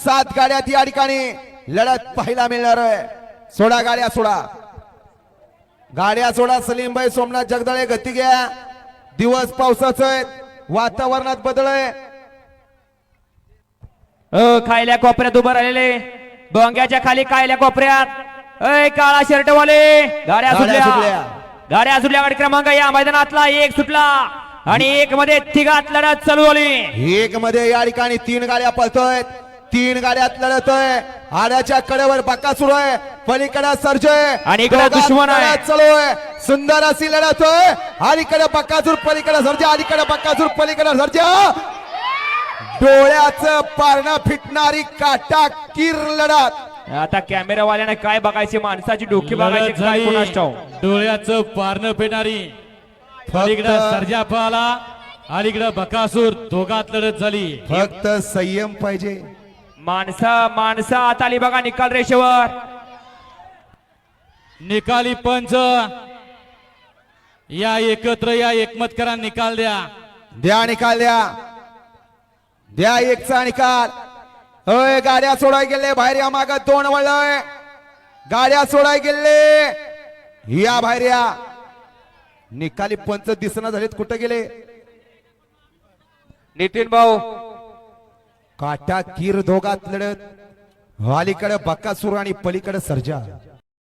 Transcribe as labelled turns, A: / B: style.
A: 7 गाड्यात या ठिकाणी लढत पाहायला मिळणार आहे। सोडा गाड्या सोडा, गाड्या सोडा। सलीमभाई सोमनाथ जगदाळे गती घ्या। दिवस पावसाचा आहे, वातावरणात बदल आहे।
B: खायल्या कोपऱ्यात उभं राहिलेले, डोंग्याच्या खाली खायल्या कोपऱ्यात काळा शर्ट वाले गाड्या सुटल्या, गाड्या सुटल्या। गाडी क्रमांक या मैदानातला 1 सुटला आणि 1 मध्ये तिघात लढत चालू झाली।
A: 1 मध्ये या ठिकाणी 3 गाड्या पळतोय, 3 गाड्यात लढत आहे। आड्याच्या कडेवर बकासूर आहे, पलीकडे सर्जय
B: आणि इकडे दुश्मन आहे।
A: चालू आहे, सुंदर अशी लढत आहे। अलीकडे बकासूर, पलीकडे सर्जा, अलीकडे बकासूर, पलीकडे सर्जा। डोळ्याचं पारणं फिटणारी काटा किर लढत।
B: आता कॅमेरावाल्याने काय बघायचे, माणसाची डोकी बघायची, काय कोणास ठाऊक।
C: डोळ्याचं पारणं पेणारी पलीकडे सर्जा पळाला, अलीकडे बकासूर, दोघात लढत झाली।
A: फक्त संयम पाहिजे।
B: माणसं आता आली बघा निकाल रेषेवर।
C: निकाली पंच या एकत्र या, एकमत करा, निकाल द्या।
A: द्या निकाल, द्या 1चा निकाल। होय, गाड्या सोडाय गेले बाहेर या, माग 2 वळलोय, गाड्या सोडाय गेले या बाहेर या। निकाली पंच दिसना झालेत, कुठे गेले?
B: नितीन भाऊ,
A: काटा किर दोघात लढत, अलीकडे बकासूर आणि पलीकडे सर्जा।